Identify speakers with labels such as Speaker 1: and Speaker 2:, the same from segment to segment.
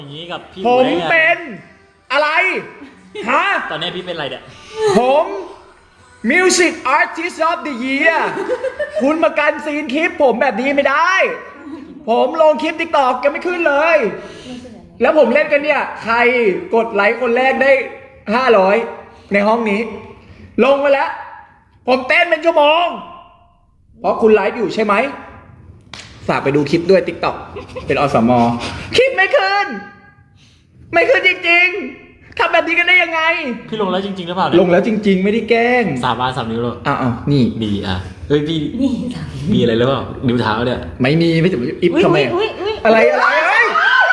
Speaker 1: อย่างนี้กับพี่
Speaker 2: ผมเป็นอะไรฮะ
Speaker 1: ตอนนี้พี่เป็นอะไรเนี่ย
Speaker 2: ผม Music Artist of the Year คุณมากันซีนคลิปผมแบบนี้ไม่ได้ ผมลงคลิป TikTok ยังไม่ขึ้นเลย แล้วผมเล่นกันเนี่ย ใครกดไลค์คนแรกได้500ในห้องนี้ ลงมาแล้ว ผมเต้นเป็นชั่วโมง เพราะคุณไลฟ์อยู่ใช่ไหมฝากไปดูคลิปด้วย TikTok เป็นอสม.คลิปไม่ขึ้น ไม่ขึ้นจริงๆทำแบบนี้กันได้ยังไง
Speaker 1: พี่ลงแล้วจริงๆหรือเปล่าเนี่ย
Speaker 2: ลงแล้วจริงๆ ไม่ได้แกล้ง
Speaker 1: 3 นิ้วเลย
Speaker 2: อ้าวนี่
Speaker 1: ดีอ่ะเฮ้ยพี่มีอะไรหรือเปล่านิ้วเท้าเนี่ย
Speaker 2: ไม่มีไม่ถึงอิฟทำไมอะไรเฮ้ย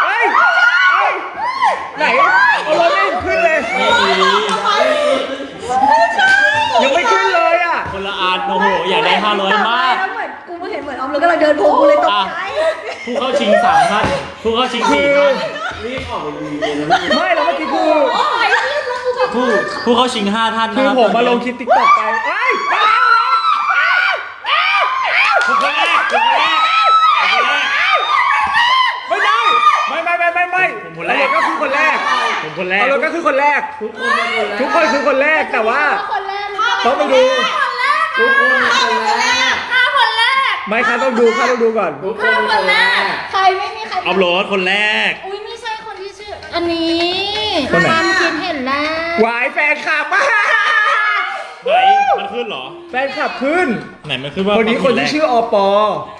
Speaker 2: ไหนเอารถไม่ขึ้นเลย
Speaker 1: ไม่มี
Speaker 2: ยังไม่ขึ้นเลยอ่ะ
Speaker 1: คนละอันโอ้โหอยากได้500มาก
Speaker 3: แล้วเหมือนกูเห็นเหมือนออมเลยกำลังเดินโผล่กูเลยตกใจ
Speaker 1: ผู้เข้าชิง3 ท่านผู้เข้าชิง4 ท่าน
Speaker 2: ไม่แล้วเมื่อกี้คือ
Speaker 1: ผู้เข้าชิง5 ท่าน
Speaker 2: คือ
Speaker 1: นะครับ
Speaker 2: ผมมาลงคลิป TikTok ไปเอ้ย
Speaker 1: คนแรก
Speaker 2: ไม่ได้ไม่ผมคนแรกก็คือคนแรก
Speaker 1: ผมคนแรก
Speaker 2: เอารถก็คือคนแรกทุกคนคือคนแรกแต่ว่าต้องไปดูทุกคนคนแรกไม่ค่ะต้องดูก่อน
Speaker 3: ใครไม่มีใคร
Speaker 1: อัพโหลดคนแรก
Speaker 3: อุ้ยไม่ใช่คนที่ชื่ออันนี้
Speaker 2: คนไหน
Speaker 3: ความคิดเห็นแล้ว
Speaker 2: วายแฟนคลับ
Speaker 1: ไหนมันขึ้นเหรอ
Speaker 2: แฟนคลับขึ้น
Speaker 1: ไหนมันขึ้นว่า
Speaker 2: คนนี้คนที่ชื่ออปอ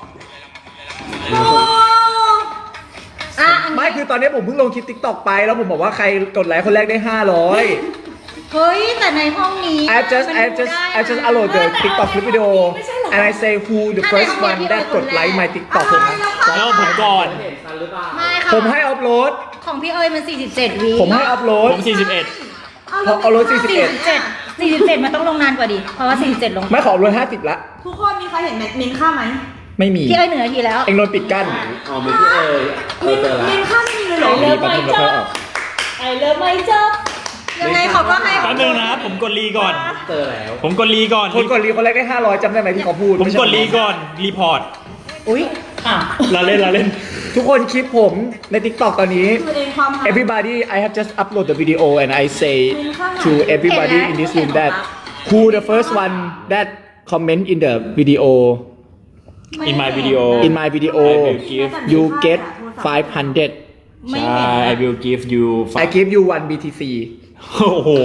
Speaker 3: อ่ะ
Speaker 2: ไม่คือตอนนี้ผมเพิ่งลงคลิป TikTok ไปแล้วผมบอกว่าใครกดไลค์คนแรกได้500
Speaker 3: เฮ้ยแต่ในห้องนี้
Speaker 2: I just upload the TikTok clip video and I say who the first one that กดไลค์ my TikTok นะ
Speaker 1: แล้วผมก่อน
Speaker 3: ไม่ค่ะ
Speaker 2: ผมให้อัพโหลด
Speaker 3: ของพี่เอ๋ยมัน47 วิ
Speaker 2: ผมให้อัพโหลด
Speaker 1: ผม41
Speaker 2: เอารถ
Speaker 3: 47มันต้องลงนานกว่าดิเพราะว่า47ลง
Speaker 2: ไม่ขออัพโหลด50ละ
Speaker 4: ทุกคนมีใครเห็นเมนค่าไหม
Speaker 2: ไม่มี
Speaker 3: พี่เอ๋ย1 นาทีแล้ว
Speaker 2: เองโดนปิดกั้น
Speaker 5: อ๋อไม่พี่
Speaker 4: เมนค่าไม่มีเลยเหรอ
Speaker 2: มีแป๊บนึงเราค่อยออก
Speaker 3: ไอเลิฟไม่จบยังไงเขาก็ให้
Speaker 1: แป๊บนึงนะผมกดรีก่อน
Speaker 5: เจอแล้ว
Speaker 1: ผมกดรีก่อน
Speaker 2: คนกดรีคนแรกได้500จำได้ไหมที่เขาพูด
Speaker 1: ผมกดรีก่อนรีพอร์ต
Speaker 3: อุ้ยอ่ะ
Speaker 1: เราเล่น
Speaker 2: ทุกคนคลิปผมใน TikTok ตอนนี้
Speaker 4: คือเองความหา
Speaker 2: Everybody I have just upload the video and I say to everybody in this room that who the first one that comment in the video
Speaker 1: in my video
Speaker 2: in my video
Speaker 1: I will give
Speaker 2: you get 500
Speaker 1: ใช่ I will give you
Speaker 2: I give you 1 BTC
Speaker 1: โอ้โห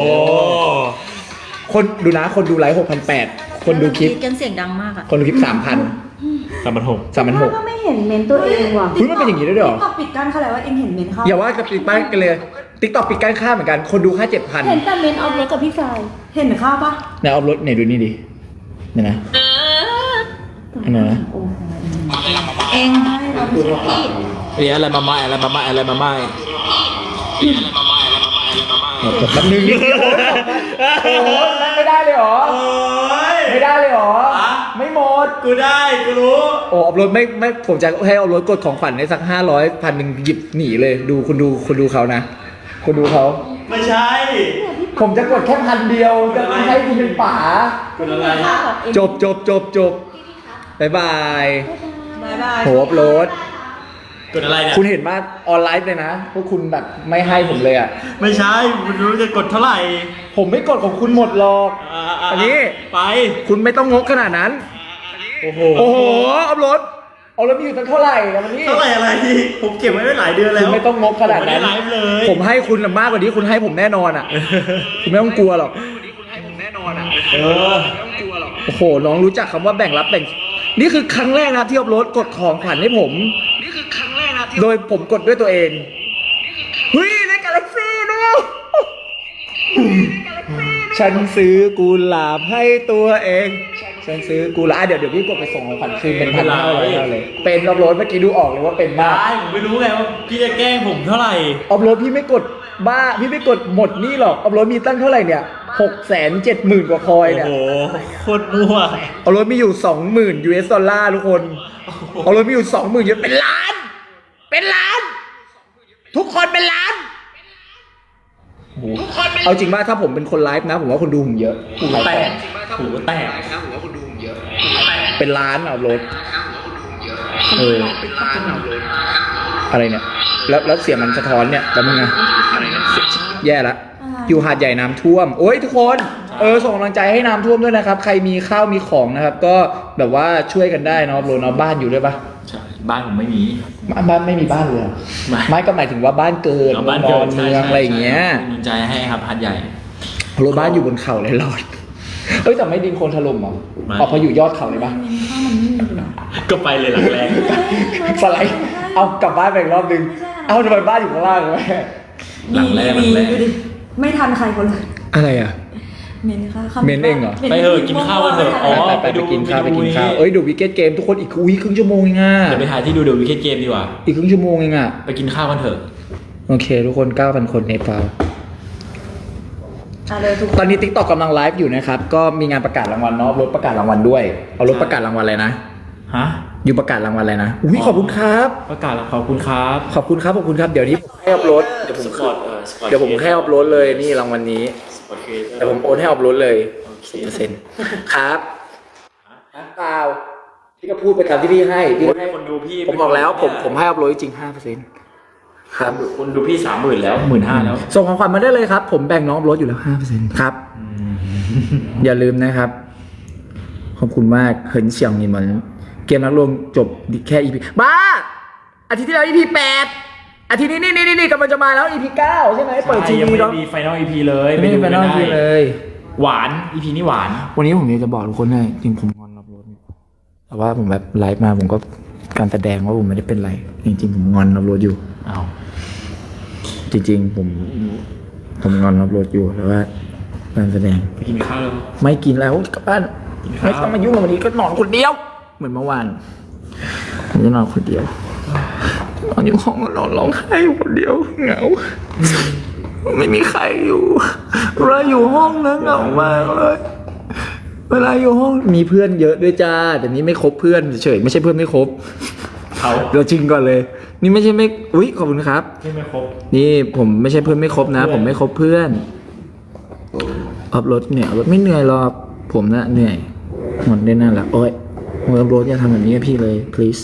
Speaker 2: คนดูนะคนดูไลฟ์6,800 คนดูคลิป
Speaker 3: กันเสียงดังมากอ่ะ
Speaker 2: คนดูคลิป 3,000
Speaker 4: ก็ไม่เห็นเมนตัวเองว่ะ
Speaker 2: 3,600เฮ้ยมันเป็นอย่างนี้ด้วยเหรอ
Speaker 4: ก็ปิดกั้นเขาแล้วว่าเองเห็นเมนเขา
Speaker 2: อย่าว่าจะปิดป้ายกันเลย TikTok ปิดกั้นค่าเหมือนกัน คนดูค่า 7,000
Speaker 4: เห็นแต่เมนออฟรถกับพี่ฟายเห็นค่าปะ
Speaker 2: ไหนเอารถไหนดูนี่ดิเนี่ยนะอันนั้นนะ
Speaker 3: เองเราไม่ใช่พี่
Speaker 1: เรียอะไรมาไม่อะไรมาไม่อะไรมาไม่
Speaker 2: แป๊บนึงนิดเดียวโอ้โหไม่ได้เลยเหรอ ไม่ได้เลยเหรอ ไม่หมด
Speaker 1: กูได้กูรู้
Speaker 2: โอ้เอารถไม่ผมจะให้เอารถกดของขวัญในสัก500 1,000หยิบหนีเลยดูคุณดูเขานะคุณดูเขา
Speaker 1: ไม่ใช่
Speaker 2: ผมจะกดแค่1,000จะไม่ให้คุณเป็นป๋า
Speaker 1: กูอะไร
Speaker 2: จบบ๊ายบาย
Speaker 4: บายบาย
Speaker 2: โหอัพโหลด
Speaker 1: กดอะไรเนี่ย
Speaker 2: คุณเห็นมาออนไลน์เลยนะพวกคุณแบบไม่ให้ผมเลยอ่ะ
Speaker 1: ไม่ใช่กูรู้จะกดเท่าไหร่
Speaker 2: ผมไม่กดของคุณหมดหรอกอันนี้
Speaker 1: ไป
Speaker 2: คุณไม่ต้องงกขนาดนั้น
Speaker 1: โอ้โห
Speaker 2: โอ้โหอัพโหลดเอาแล้วมีอยู่ตั้งเท่าไหร่อะวันนี้
Speaker 1: เท่าไหร่อะไรผมเก็บไว้หลายเดือนแล้ว
Speaker 2: คุณไม่ต้องงกขนาดนั้น
Speaker 1: ผมไม่ได้ไลฟ์เลย
Speaker 2: ผมให้คุณมากกว่านี้คุณให้ผมแน่นอนอ่ะ คุณไม่ต้องกลัวหรอก
Speaker 1: เออ
Speaker 2: โอ้โหน้องรู้จักคำว่าแบ่งรับแบ่งนี่คือครั้งแรกนะที่อัพโหลดกดของขวัญให้ผมโดยผมกดด้วยตัวเองเฮ้ยในกาแล็กซี่ด้วยฉันซื้อกุหลาบให้ตัวเองฉันซื้อกุหลาบเดี๋ยวพี่กดไปส่งของขวัญคืนเป็น1,500เลยเป็นอัพโหลดเมื่อกี้ดูออกเลยว่าเป็นมาก
Speaker 1: ได้ผมไม่รู้ไงว่าพี่จะแกล้งผมเท่าไหร่
Speaker 2: อัพโหลดพี่ไม่กดบ้าพี่ไม่กดหมดนี่หรอกอัพโหลดมีตั้งเท่าไหร่เนี่ย670,000 กว่าคอย
Speaker 1: โอ้
Speaker 2: เนี่ย
Speaker 1: โหโคตรมั่ว
Speaker 2: อัพโหลดมีอยู่ 20,000 US ดอลลาร์ทุกคนอัพโหลดมีอยู่ 20,000เยอะเป็นล้าน ทุกคนเป็นล้านเอาจริงว่าถ้าผมเป็นคนไลฟ์นะผมว่าคนดูผมเยอะ
Speaker 1: หูแตก
Speaker 2: เป็นล้านอัพโหลดอะไรเนี่ยแล้วเสียงมันสะท้อนเนี่ยแล้วมึงไงแย่ละอยู่หาดใหญ่น้ำท่วมโอ้ยทุกคนส่งกำลังใจให้น้ำท่วมด้วยนะครับใครมีข้าวมีของนะครับก็แบบว่าช่วยกันได้เนาะโรนเอาบ้านอยู่ด้วยปะ
Speaker 1: ใช่บ้านผมไม่มี
Speaker 2: บ้านไม่มีบ้านเลยเหรอ
Speaker 1: ไม่
Speaker 2: ไม่ก็หมายถึงว่าบ้านเกิด
Speaker 1: เอาบ้าน
Speaker 2: น
Speaker 1: เกิ
Speaker 2: อ
Speaker 1: ด
Speaker 2: นเมืองอะไรอย่างเงี้ย
Speaker 1: กำลังใจให้ครับพัดใหญ่
Speaker 2: โรนบ้านอยู่บนเขาเลยรอดแต่ไม่ดินโคลนถล่มเหรอ
Speaker 1: ไม่
Speaker 2: พออยู่ยอดเขาเลยปะ
Speaker 1: ก็ไปเลยหลังแรง
Speaker 2: สไลด์เอากลับบ้านไปอีกรอบนึงเอาทำไมบ้านอยู่ข้างล่างวะ
Speaker 1: หลังแรก
Speaker 4: ดูดิไม่ทันใครคนเลย
Speaker 2: อะไรอ่ะ
Speaker 4: เมนค่ะ
Speaker 2: เมนเองเหรอ
Speaker 1: ไปเถอะกินข้าวกันเถอะอ๋อ
Speaker 2: ไปกินข้าวดูวิกเก็ตเกมทุกคนอีกครึ่งชั่วโมงเองอ่ะ
Speaker 1: เดี๋ยวไปหาที่ดูเดอะวิกเก็ตเกมดีกว่า
Speaker 2: อีกครึ่งชั่วโมงเองอ่ะ
Speaker 1: ไปกินข้าวกันเถอะ
Speaker 2: โอเค ทุกคน 9,000 คนในฟาว
Speaker 4: เลยทุก
Speaker 2: ตอนนี้ TikTok กำลังไลฟ์อยู่นะครับ ก็มีงานประกาศรางวัลเนาะรถประกาศรางวัลด้วย เอารถประกาศรางวัลอะไรนะ
Speaker 1: ฮะ
Speaker 2: อยู่ประกาศรางวัลอะไรนะอุ้ยขอบคุณครับ
Speaker 1: ประกาศแล้วขอบคุณครับ
Speaker 2: ขอบคุณครับเดี๋ยวนี้ผมให้อัพโหลดเดี๋ยวผมให้อัพโหลดเลยนี่รางวัลนี้เดี๋ยวผมโอนให้อัพโหลดเลย 10%ครับเปล่าพี่ก็พูดไปตามที่พี่ให้พี่ให้
Speaker 1: คนดูพี่
Speaker 2: ผมบอกแล้วผมให้อัพโหลดจริง 5%ครับ
Speaker 1: คนดูพี่30,000แล้ว15,000แล้ว
Speaker 2: ส่งของขวัญมาได้เลยครับ ผมแบ่งน้องอัพโหลดอยู่แล้ว 5%ครับ อย่าลืมนะครับ ขอบคุณมากเหินเฉียงนี่เหมือนเกมนักลวงจบแค่ EP บ้าอาทิตย์ที่แล้ว EP 8อาทิตย์นี้นี่กำลังจะมาแล้ว EP 9ใช่ไหมเปิดที
Speaker 1: ยัง
Speaker 2: วี
Speaker 1: ไม่
Speaker 2: เนาะ
Speaker 1: มีไฟนอล EP เลย
Speaker 2: ไม่มีไฟนอล EP เลย
Speaker 1: หวาน EP นี้หวาน
Speaker 2: วันนี้ผมอยากจะบอกทุกคนเลยจริงผมงอนรับรถแต่ว่าผมแบบไลฟ์มาผมก็การแสดงว่าผมไม่ได้เป็นไร จริงๆผมงอนรับรถอยู่
Speaker 1: อ้าว
Speaker 2: จริงๆผมงอนรับรถอยู่แต่ว่าการแสดง
Speaker 1: ไปกินข้าวแล้ว
Speaker 2: ไม่กินแล้วกลับบ้าน
Speaker 1: กินข้าว
Speaker 2: ไม่ต้องมายุ่งกับวันนี้ก็นอนคนเดียว เหมือนเมื่อวานผมจะนอนคนเดียวนอนอยู่ห้องนอนร้องไห้อยู่คนเดียวเหงาไม่มีใครอยู่เวลาอยู่ห้องนะเหงามากเลยเวลาอยู่ห้องมีเพื่อนเยอะด้วยจ้าแต่นี้ไม่คบเพื่อนเฉยๆไม่ใช่เพื่อนไม่คบ
Speaker 1: เขา
Speaker 2: เราจริงก่อนเลย นี่ไม่ใช่ไม่อุ๊ยขอบคุณครับ
Speaker 1: ที่ไม่ครบ
Speaker 2: นี่ผมไม่ใช่เพื่อนไม่คบนะ ผมไม่คบเพื่อนอัพรถเนี่ยรถไม่เหนื่อยหรอกผมนะเหนื่อยหมดได้นั่นแหละโอ๊ยอัพรถอย่าทำแบบนี้กับพี่เลย please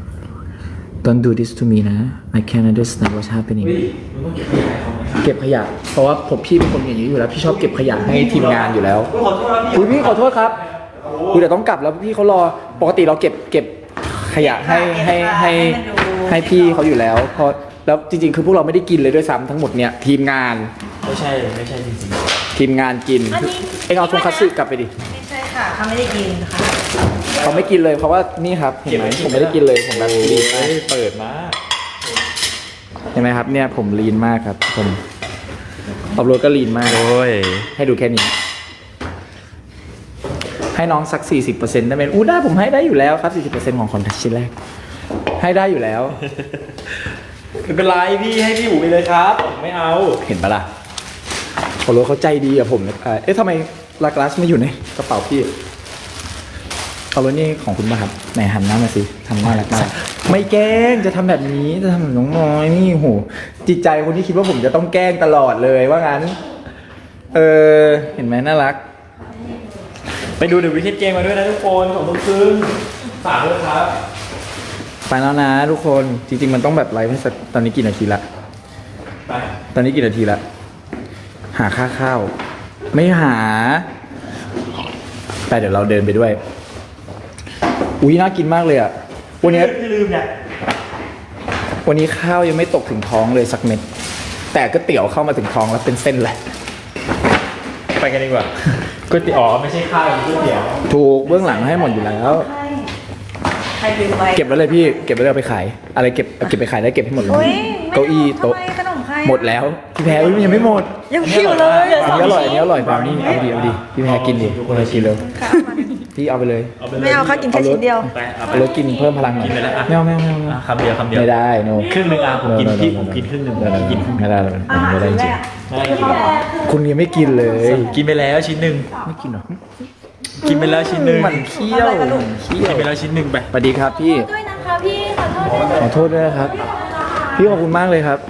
Speaker 2: don't do this to me นะ I can't understand what's happening เก็บขยะเพราะว่าผมพี่เป็นคนอย่างนี้อยู่แล้วพี่ชอบเก็บขยะให้ทีมงานอยู่แล้วอุ๊ยพี่ขอโทษครับอุ๊ยแต่ต้องกลับแล้วพี่เขารอปกติเราเก็บขยะให้พี่เขาอยู่แล้วเพราะแล้วจริงๆคือพวกเราไม่ได้กินเลยด้วยซ้ำทั้งหมดเนี่ยทีมงาน
Speaker 1: ไม่ใช่จริง
Speaker 2: ทีมงานกินเอ็งเอาทงคัตสึกลับไปดิ
Speaker 3: ไม่ใช่ค่ะเขาไม่ได้กินค่ะ
Speaker 2: เขาไม่กินเลยเพราะว่านี่ครับเห็นไหมผมไม่ได้กินเลยผมแบบลีนมาก
Speaker 1: เปิดมา
Speaker 2: เห็นไหมครับเนี่ยผมลีนมากครับผมอัพโหลดก็ลีนมาก
Speaker 1: โอ้ย
Speaker 2: ให้ดูแค่นี้ ให้น้องสัก 40%ได้ไหมอู้ได้ผมให้ได้อยู่แล้วครับ 40%ของคอนแทคชิ้นแรก ให้ได้อยู่แล้ว
Speaker 1: ไม่เป็นไรพี่ให้พี่อู๋ไปเลยครับไม่เอา
Speaker 2: เห็นปะล่ะอัพโหลดเขาใจดีอะผมเอ๊ะทำไมลากลาสไม่อยู่ในกระเป๋าพี่อัพโหลดนี่ของคุณป่ะครับไหนหันหน้ามาสิทำน่ารักมากไม่แกล้งจะทำแบบนี้จะทำแบบน้องน้อยนี่โหจิตใจคนที่คิดว่าผมจะต้องแกล้งตลอดเลยว่างั้นเห็นไหมน่ารัก
Speaker 1: ไปดูเดอะวิกเก็ตเกมมาด้วยนะทุกคน2:30ฝากด้วยครับ
Speaker 2: ไปแล้วนะทุกคนจริงๆมันต้องแบบไลฟ์ให้สักตอนนี้กี่นาทีละ
Speaker 1: ไป
Speaker 2: ตอนนี้กี่นาทีละหาค่าข้าวไม่หาไปเดี๋ยวเราเดินไปด้วยอุ้ยน่ากินมากเลยอ่ะวันนี้
Speaker 1: พี่ลืมเนี่ย
Speaker 2: วันนี้ข้าวยังไม่ตกถึงท้องเลยสักเม็ดแต่ก๋วยเตี๋ยวเข้ามาถึงท้องแล้วเป็นเส้นเลย
Speaker 1: ไปกันดีกว่าก๋วยเตี๋ยวไม่ใช่ข้าวเป็นก๋วยเตี๋ยว
Speaker 2: ถูกเบื้องหลังให้หมดอยู่แล้ว
Speaker 4: ใครลืมไว้
Speaker 2: เก็บไว้เลยพี่เก็บไว้เลยเอาไปขายอะไรเก็บไปขายได้เก็บให้หมดเลยเก้าอี้โต๊ะ
Speaker 3: ขนมใคร
Speaker 2: หมดแล้วพี่แพรมันยังไม่หมด
Speaker 3: ยังคิวเลย
Speaker 2: อันนี้อร่อยบราวนี่เอาดิพี่แพรกินดิพี่แพรกินเลยพี่เอาไปเลย
Speaker 1: เอาไปเลย
Speaker 3: ไม่เอาค่ะกินแค่ชิ้นเดียว
Speaker 1: ไปเอาไป
Speaker 2: เอารถกินเพิ่มพลังหน่อย
Speaker 1: กินไปแล้วอ่ะ
Speaker 2: ไม่เอา
Speaker 1: อ่ะคำเดียว
Speaker 2: ไม่ได้โน
Speaker 1: ครึ่งหนึ่งอ่ะผมกินพี่ผมกินครึ่งหนึ่งผมกินครึ่งหนึ่ง
Speaker 2: ไม่ได้ไม่ได้จริง
Speaker 1: ไม่ได้กิน
Speaker 2: คุณยังไม่กินเลย
Speaker 1: กินไปแล้วชิ้นหนึ่ง
Speaker 2: ไม่กินหรอ
Speaker 1: กินไปแล้วชิ้นหนึ่ง
Speaker 2: มันเคี้ยวเคี้ย
Speaker 1: กิ
Speaker 2: วน
Speaker 1: ไปแล้วชิ้นหนึ่งไป
Speaker 2: สวัสดีครับพี่
Speaker 3: ด้วยนะคะพี่ขอโทษด้วย
Speaker 2: ขอโทษด้วยนะครับพี่ขอบคุณมากเลยครับ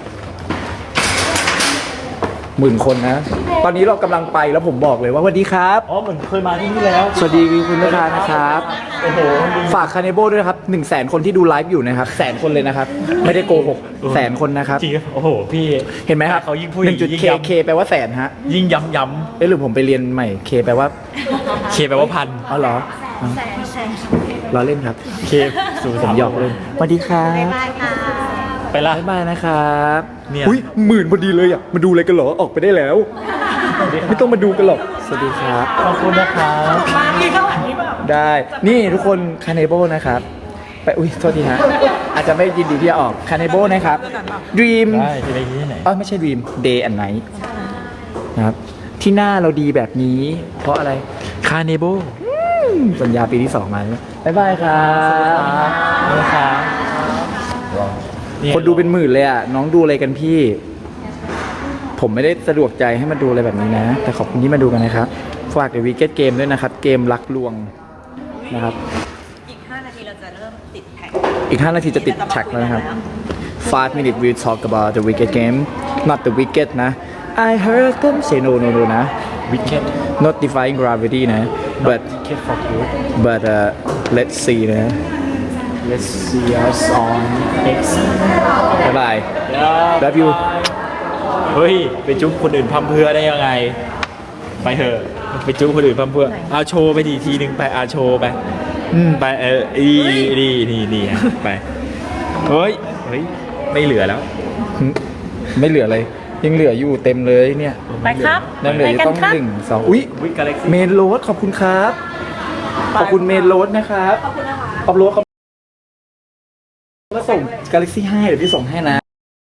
Speaker 2: 10,000 คนนะตอนนี้เรากำลังไปแล้วผมบอกเลยว่าสวัสดีครับ
Speaker 1: อ๋อเหมือนเคยมาที่นี่แล้ว
Speaker 2: สวัสดีคุณลูกค้านะครับ
Speaker 1: โอ้โห
Speaker 2: ฝากคาเนโบด้วยนะครับ100,000 คนที่ดูไลฟ์อยู่นะครับ100,000 คนเลยนะครับ ไม่ได้โกหก100,000 คนนะครับ
Speaker 1: จริงโอ้โหพี่
Speaker 2: เห็นไหมครับ
Speaker 1: เขายิ่งพูดอย่างนี้ยิ่ง
Speaker 2: 1.k
Speaker 1: ย้ำ
Speaker 2: k แปลว่าแสนฮะ
Speaker 1: ยิ่งย้ำ
Speaker 2: เอ้ยหรือผมไปเรียนใหม่ k แปลว่า
Speaker 1: เคแปลว่าพัน
Speaker 2: อ๋อเหรออ๋อล้อเล่นครับ
Speaker 1: เคสู่
Speaker 2: ผมหยอกเล่นสวัสดีครับ
Speaker 3: บายค่ะ
Speaker 1: ไปละ
Speaker 2: บ๊ายบายนะครับ
Speaker 1: เนี่ย
Speaker 2: อุ้ย10,000พอดีเลยอ่ะมาดูอะไรกันเหรอออกไปได้แล้ว ไม่ต้องมาดูกันหรอกสวัสดีครับ
Speaker 1: ขอบคุณนะครับ
Speaker 2: ได้ นี่ทุกคนคาเนโบนะครับ ไป อุ้ยโทษทีฮะ อาจจะไม่ยินดีที่จะออกคาเนโบนะครับ Dream
Speaker 1: ได้จะไปที่ไหน
Speaker 2: ไม่ใช่ Dream Day and Night นะครับ ที่หน้าเราดีแบบนี้ เพราะอะไร
Speaker 1: คาเนโบ
Speaker 2: สัญญาปีที่ 2 มาแล้วบ๊ายบายครับ
Speaker 1: นะครับ
Speaker 2: คนดูเป็นหมื่นเลยอ่ะ น้องดูอะไรกันพี่ ผมไม่ได้สะดวกใจให้มาดูอะไรแบบนี้นะ แต่ขอบคุณที่มาดูกันนะครับ ฝากเดอะวีเกตเกมด้วยนะครับ เกมรักลวงนะครับ
Speaker 4: อีก 5 นาทีเราจะเริ่มติดแท็ก
Speaker 2: อีก 5 นาทีจะติดแท็กแล้วนะครับ 5 minutes we talk about the wicked game not the wicked นะ I heard them say no no no นะ
Speaker 1: Wicked
Speaker 2: not defying gravity นะ but
Speaker 1: Wicked for good
Speaker 2: but let's see นะ let's see us on X บ๊ายบาย love you
Speaker 1: เฮ้ย ไปจุ๊บคนอื่นพัมเพรื่อได้ยังไง ไปเถอะไปจุ๊บคนอื่นพัมเพรื่อเอาโชว์ไปดีทีนึงไปเอาโชว์ไปไปนี่อ่ะไปเฮ้ยไม่เหลือแล้ว
Speaker 2: ไม่เหลือเลย ยังเหลืออยู่เต็มเลยเนี่ย
Speaker 3: ไปครับ
Speaker 2: ยังเหลืออยู่ต้อง
Speaker 3: ไปกันครับ
Speaker 2: 1 2 อุ้ย
Speaker 1: วิกาแล็กซี่
Speaker 2: เมนโรสขอบคุณครับ ขอบคุณเมนโรสนะครับ
Speaker 4: ขอบคุณนะคะ
Speaker 2: ขอบโรสเขาก็ส่ง Galaxy 5 เดี๋ยวพี่ส่งให้นะ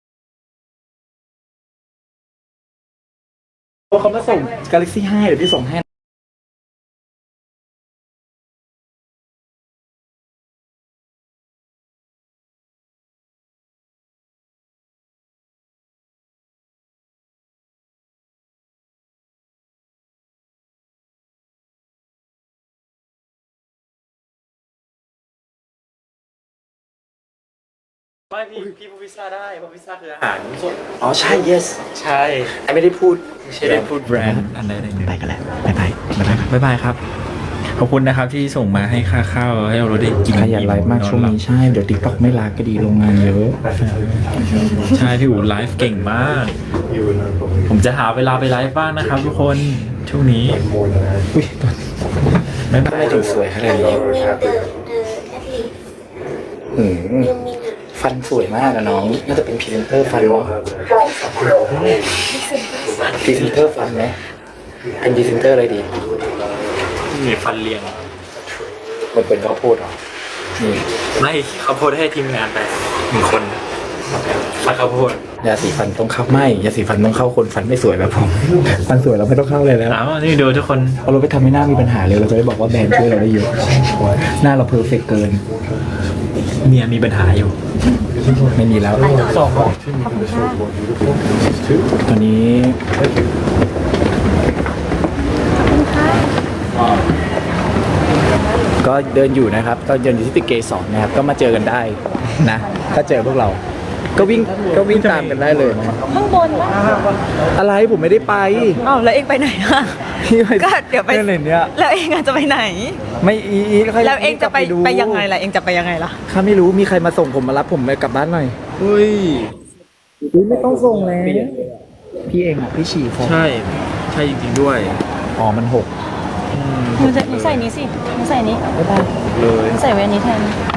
Speaker 2: เขามาส่ง Galaxy 5 เดี๋ยวพี่ส่งให้
Speaker 1: ไม่พี่พูดพิซซ่าได้เพราะพิซซ่าคืออาหารสด
Speaker 2: อ๋อใช่ yes
Speaker 1: ใช่
Speaker 2: ไอไม่ได้พูด
Speaker 1: ไม่ได้พูดแบรนด์อันใดๆเลย
Speaker 2: ไปกันแล้วบ๊ายบายบ๊ายบาย
Speaker 1: บ๊ายบายครับ ขอบคุณนะครับที่ส่งมาให้ค่าข้าวให้เราได้กิน
Speaker 2: ขยันไลฟ์มากช่วงนี้ใช่ เดี๋ยว TikTok ไม่ลาก็ดีโรงงานเยอะ
Speaker 1: ใช่พี่อู๋ไลฟ์เก่งมาก ผมจะหาเวลาไปไลฟ์บ้างนะครับทุกคนช่วงนี้
Speaker 2: อุ้ยตอน
Speaker 1: ไม่
Speaker 2: ทำไมถึงสวยขนาดนี้ฟันสวยมากอะน้อง น่าจะเป็นพรีเซนเตอร์ฟันวะพรีเซนเตอร์ฟันไหมเป็นพรีเซนเตอร์อะไรดี
Speaker 1: มีฟันเรียง
Speaker 2: มันเป็นข้าวโพดเหรอ นี่
Speaker 1: ไม่เขาโพสให้ทีมงานไป1 คนฟันข้าวโพด
Speaker 2: ยาสีฟันต้องเข้าไม่ยาสีฟันต้องเข้าคนฟันไม่สวยแบบผม ฟันสวยเราไม่ต้องเข้าเลยแล้ว
Speaker 1: อ้าวนี่ดูทุกคน
Speaker 2: เอาเราไปทำให้หน้ามีปัญหาเลยเราจะได้บอกว่าแบรนด์ช่วยเราได้เยอะ หน้าเราเพอร์เฟกเกิน
Speaker 1: เมียมีปัญหาอยู่
Speaker 2: ไม่มีแล้วตอนนี้ก็เดินอยู่นะครับ ก็เดินอยู่ที่ตึกเกสรนะครับ ก็มาเจอกันได้นะ ถ้าเจอพวกเรา ก็วิ่งตามกันได้เลยนะ
Speaker 3: ข้างบนวะ
Speaker 2: อะไรผมไม่ได้ไป
Speaker 4: อ้าวแล้วเองไปไหนอะ
Speaker 2: พี่ไป
Speaker 4: ก็เดี๋ยวไป
Speaker 2: เนี่ยเนี่ย
Speaker 4: แล้วเองอะจะไปไหน
Speaker 2: ไม่อีค่ย
Speaker 4: แล้วเองจะไป
Speaker 2: ดู
Speaker 4: ไปยังไงล่ะ เองจะไปยังไงล่ะ
Speaker 2: ข้าไม่รู้มีใครมาส่งผมมารับผมไปกลับบ้านหน่อย
Speaker 1: อุ้ย
Speaker 2: ไม่ต้องส่งแล้วพี่เองอ่ะพี่ฉี่ฟอง
Speaker 1: ใช่จริงๆด้วย
Speaker 2: อ๋อมันหก
Speaker 3: หนูใส่นี้สิหนูใส่นี้
Speaker 2: บ๊ายบาย
Speaker 1: เลย
Speaker 3: หนูใส่ไว้อันนี้แทน